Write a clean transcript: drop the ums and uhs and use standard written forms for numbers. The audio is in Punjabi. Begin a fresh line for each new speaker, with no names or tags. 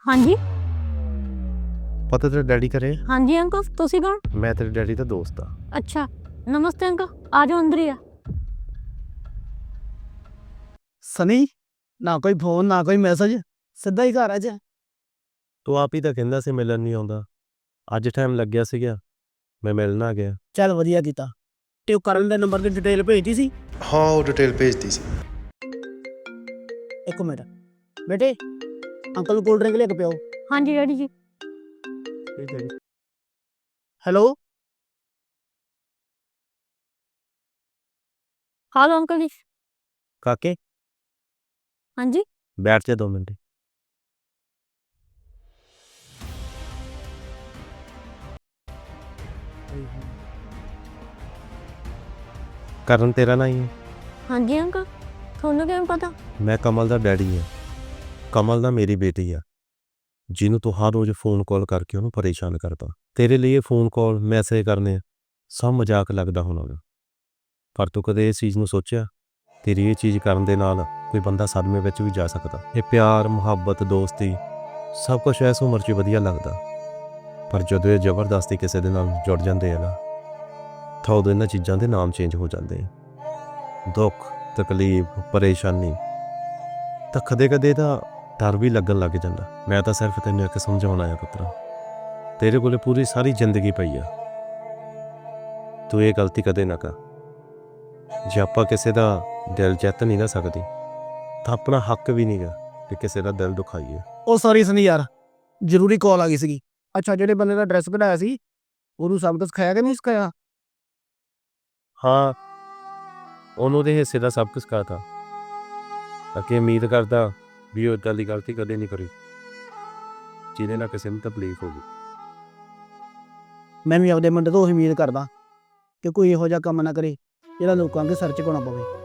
ਹਾਂਜੀ
ਪਤਾ ਤੇਰਾ ਡੈਡੀ ਘਰੇ?
ਹਾਂਜੀ ਅੰਕਲ ਤੁਸੀਂ ਕੌਣ?
ਮੈਂ ਤੇਰੇ ਡੈਡੀ ਦਾ ਦੋਸਤ ਆ।
ਅੱਛਾ ਨਮਸਤੇ ਅੰਕਲ ਆ ਜਾਓ ਅੰਦਰ ਹੀ ਆ।
ਸਨੀ ਨਾ ਕੋਈ ਫੋਨ ਨਾ ਕੋਈ ਮੈਸੇਜ, ਸਿੱਧਾ ਹੀ ਘਰ ਆ ਜਾ।
ਤੂੰ ਆਪ ਹੀ ਤਾਂ ਕਹਿੰਦਾ ਸੀ ਮਿਲਣ ਨਹੀਂ ਆਉਂਦਾ। ਅੱਜ ਟਾਈਮ ਲੱਗਿਆ ਸੀਗਾ, ਮੈਂ ਮਿਲਣ ਆ ਗਿਆ।
ਚੱਲ ਵਧੀਆ ਕੀਤਾ। ਤੇ ਉਹ ਕਰਨ ਦੇ ਨੰਬਰ ਦੀ ਡਿਟੇਲ ਭੇਜਤੀ ਸੀ?
ਹਾਂ ਉਹ ਡਿਟੇਲ ਭੇਜਤੀ ਸੀ।
ਇੱਕ ਮਿੰਟ ਬੇਟੇ, ਅੰਕਲ ਨੂੰ ਕੋਲਡ ਡਰਿੰਕ ਲੈ ਕੇ ਪਿਓ।
ਹਾਂਜੀ ਡੈਡੀ ਜੀ।
ਹੈਲੋ
ਹਾਲੋ ਅੰਕਲ ਜੀ।
ਕਾਕੇ
ਹਾਂਜੀ
ਬੈਠ ਜਾ 2 ਮਿੰਟ। ਕਰਨ ਤੇਰਾ ਨਾਂ ਹੀ ਹੈ?
ਹਾਂਜੀ ਅੰਕਲ ਤੁਹਾਨੂੰ ਕਿਵੇਂ ਪਤਾ?
ਮੈਂ ਕਮਲ ਦਾ ਡੈਡੀ ਹਾਂ। ਕਮਲ ਦਾ ਮੇਰੀ ਬੇਟੀ ਆ, ਜਿਹਨੂੰ ਤੂੰ ਹਰ ਰੋਜ਼ ਫੋਨ ਕਾਲ ਕਰਕੇ ਉਹਨੂੰ ਪਰੇਸ਼ਾਨ ਕਰਦਾ। ਤੇਰੇ ਲਈ ਇਹ ਫੋਨ ਕਾਲ ਮੈਸੇਜ ਕਰਨੇ ਸਭ ਮਜ਼ਾਕ ਲੱਗਦਾ ਹੋਣਾ, ਪਰ ਤੂੰ ਕਦੇ ਇਸ ਚੀਜ਼ ਨੂੰ ਸੋਚਿਆ ਤੇਰੀ ਇਹ ਚੀਜ਼ ਕਰਨ ਦੇ ਨਾਲ ਕੋਈ ਬੰਦਾ ਸਦਮੇ ਵਿੱਚ ਵੀ ਜਾ ਸਕਦਾ। ਇਹ ਪਿਆਰ ਮੁਹੱਬਤ ਦੋਸਤੀ ਸਭ ਕੁਝ ਇਸ ਉਮਰ 'ਚ ਵਧੀਆ ਲੱਗਦਾ, ਪਰ ਜਦੋਂ ਇਹ ਜ਼ਬਰਦਸਤੀ ਕਿਸੇ ਦੇ ਨਾਲ ਜੁੜ ਜਾਂਦੇ ਆ ਨਾ ਤਾਂ ਉਦੋਂ ਇਹਨਾਂ ਚੀਜ਼ਾਂ ਦੇ ਨਾਮ ਚੇਂਜ ਹੋ ਜਾਂਦੇ ਆ। ਦੁੱਖ ਤਕਲੀਫ ਪਰੇਸ਼ਾਨੀ ਤਾਂ ਕਦੇ ਤਾਂ ਡਰ ਵੀ ਲੱਗਣ ਲੱਗ ਜਾਂਦਾ। ਮੈਂ ਤਾਂ ਸਿਰਫ ਤੈਨੂੰ ਇੱਕ ਸਮਝਾਉਣਾ ਆ ਪੁੱਤਰਾ, ਤੇਰੇ ਕੋਲੇ ਪੂਰੀ ਸਾਰੀ ਜ਼ਿੰਦਗੀ ਪਈ ਆ, ਤੂੰ ਇਹ ਗਲਤੀ ਕਦੇ ਨਾ ਕਰ। ਜੇ ਆਪਾਂ ਕਿਸੇ ਦਾ ਦਿਲ ਜਿੱਤ ਨਹੀਂ ਨਾ ਸਕਦੀ ਤਾਂ ਆਪਣਾ ਹੱਕ ਵੀ ਨਹੀਂਗਾ ਕਿ ਕਿਸੇ ਦਾ ਦਿਲ ਦੁਖਾਈਏ।
ਉਹ ਸੌਰੀ ਸਨੀ ਯਾਰ, ਜ਼ਰੂਰੀ ਕਾਲ ਆ ਗਈ ਸੀਗੀ। ਅੱਛਾ ਜਿਹੜੇ ਬੰਦੇ ਦਾ ਐਡਰੈਸ ਕਢਾਇਆ ਸੀ ਉਹਨੂੰ ਸਭ ਕੁਝ ਸਿਖਾਇਆ ਕਿ ਨਹੀਂ ਸਿਖਾਇਆ?
ਹਾਂ ਉਹਨੂੰ ਦੇ ਹਿੱਸੇ ਦਾ ਸਭ ਕੁਝ ਕਹਤਾ, ਅੱਗੇ ਉਮੀਦ ਕਰਦਾ ਵੀ ਉਹ ਇੱਦਾਂ ਦੀ ਗਲਤੀ ਕਦੇ ਨਹੀਂ ਕਰੀ ਜਿਹਦੇ ਨਾਲ ਕਿਸੇ ਨੂੰ ਤਕਲੀਫ ਹੋਵੇ।
ਮੈਂ ਵੀ ਆਪਦੇ ਮੁੰਡੇ ਤੋਂ ਉਹੀ ਉਮੀਦ ਕਰਦਾ ਕਿ ਕੋਈ ਇਹੋ ਜਿਹਾ ਕੰਮ ਨਾ ਕਰੇ ਜਿਹੜਾ ਲੋਕਾਂ ਅੱਗੇ ਸਿਰ ਝੁਕਾਉਣਾ ਪਵੇ।